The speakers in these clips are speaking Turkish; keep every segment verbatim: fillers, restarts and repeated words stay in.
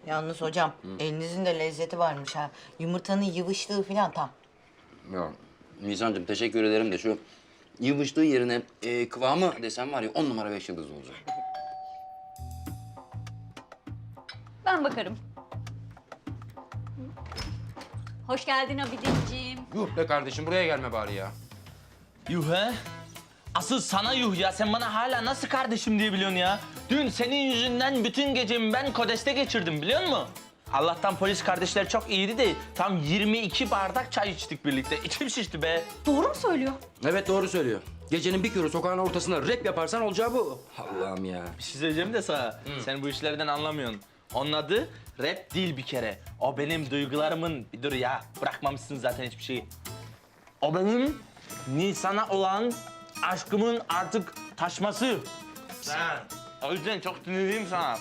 Yalnız hocam elinizin de lezzeti varmış ha. Yumurtanın yıvıştığı falan tam. Ya Nisan'cığım teşekkür ederim de şu yıvıştığı yerine e, kıvamı desem var ya on numara beş yıldız olacak. Ben bakarım. Hoş geldin Abidinciğim. Yuh be kardeşim buraya gelme bari ya. Yuh he? Asıl sana yuh ya. Sen bana hala nasıl kardeşim diye biliyorsun ya? Dün senin yüzünden bütün gecemi ben Kodes'te geçirdim biliyor musun? Allah'tan polis kardeşler çok iyiydi de tam yirmi iki bardak çay içtik birlikte. İçim şişti be. Doğru mu söylüyor? Evet doğru söylüyor. Gecenin bir körü sokağın ortasında rap yaparsan olacağı bu. Allah'ım ya. Bir şey söyleyeceğim de sana. Sen bu işlerden anlamıyorsun. Onun adı rap değil bir kere. O benim duygularımın... Bir dur ya, bırakmamışsın zaten hiçbir şeyi. O benim Nisan'a olan aşkımın artık taşması. Ha, o yüzden çok sinirliyim sana.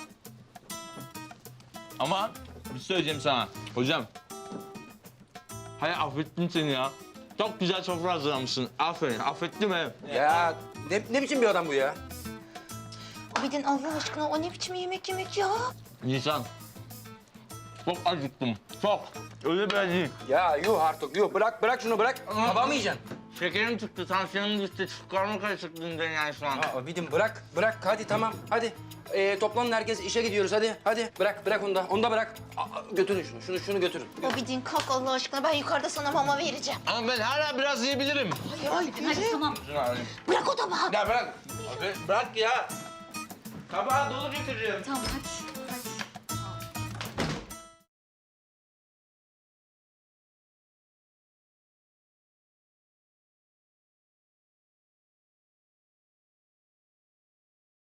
Ama bir şey söyleyeceğim sana. Hocam. Hayır affettim seni ya. Çok güzel sofra hazırlamışsın. Aferin, affettim he. Ya ne, ne biçim bir adam bu ya? Abidin Allah aşkına o ne biçim yemek yemek ya? Nisan. Çok acıktım. Çok. Öyle böyle değil. Ya yuh artık yuh bırak bırak şunu bırak. Tabağı mı yiyeceksin? Şekerim çıktı, tansiyonum düştü. Karnım karışık dünden yani şu an. Aa, Abidim bırak bırak hadi tamam hadi. Ee, toplanın herkes işe gidiyoruz hadi hadi. Bırak bırak onu da onu da bırak. Aa, götürün şunu şunu şunu götürün. Abidin kalk Allah aşkına ben yukarıda sana mama vereceğim. Ama ben hala biraz yiyebilirim. Hayır hayır Hadi tamam. bırak o tabağı. Ya bırak. Abi bırak ya. Tabağı dolu getireceğim. Tamam hadi.